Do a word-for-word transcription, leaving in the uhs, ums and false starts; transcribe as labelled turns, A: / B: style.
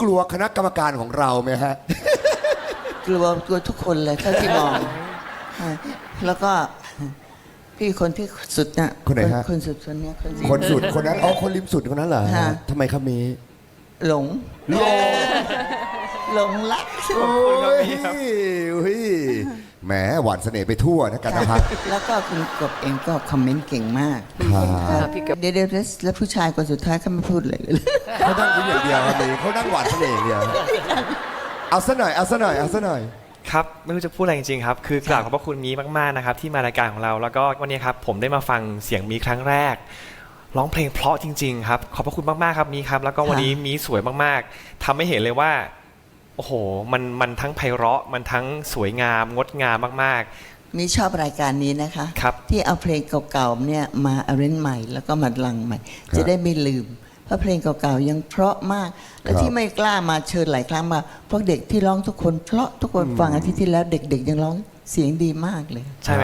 A: กลัวคณะกรรมการของเราไหมฮะ
B: กลัวกลัวทุกคนเลยเท่าที่มอง แล้วก็พี่คนที่สุดน่ะ
A: คนไหนฮะ
B: คนสุดคนเนี้ยคนสุด
A: คนสุดคนนั้นอ๋อคนริมสุดคนนั้นเหรอ
B: ฮะ
A: ทำไมครับมี
B: หลง
A: โล
B: หลงรัก
A: โอ้ยอุ้ยแหมหวานเสน่ห์ไปทั่วนะกันนะครับ
B: แล้วก็คุณกบเองก็คอมเมนต์เก่งมาก
A: ครับ
B: เดี๋ยวเดี๋ยวแล้วผู้ชายคนสุดท้ายเขาไม่พูดเลยเลย
A: เขานั่งยิ้มอย่างเดียวครับมีเขานั่งหวานเสน่ห์อย่างเดียวเอาซะหน่อยเอาซะหน่อยเอาซะหน่อย
C: ครับไม่รู้จะพูดอะไรจริงๆครับคือกราบขอบพระคุณมีมากๆนะครับที่มารายการของเราแล้วก็วันนี้ครับผมได้มาฟังเสียงมีครั้งแรกร้องเพลงเพราะจริงๆครับขอบพระคุณมากๆครับมีครับแล้วก็วันนี้มีสวยมากๆทำให้เห็นเลยว่าโอ้โหมันมันทั้งไพเราะมันทั้งสวยงามงดงามมาก
B: มีชอบรายการนี้นะคะ
C: ครับ
B: ที่เอาเพลงเก่าๆเนี่ยมาอาเรนใหม่แล้วก็มาลังใหม่
A: ครับ
B: จะได้ไม่ลืม เพราะเพลงเก่าๆยังเพราะมาก และ
A: ครับ
B: ที่ไม่กล้ามาเชิญหลายครั้งมาเพราะเด็กที่ร้องทุกคนเพราะทุกคนฟังอาทิตย์ที่แล้วเด็กๆยังร้องเสียงดีมากเลย
C: ๆใช่ไหม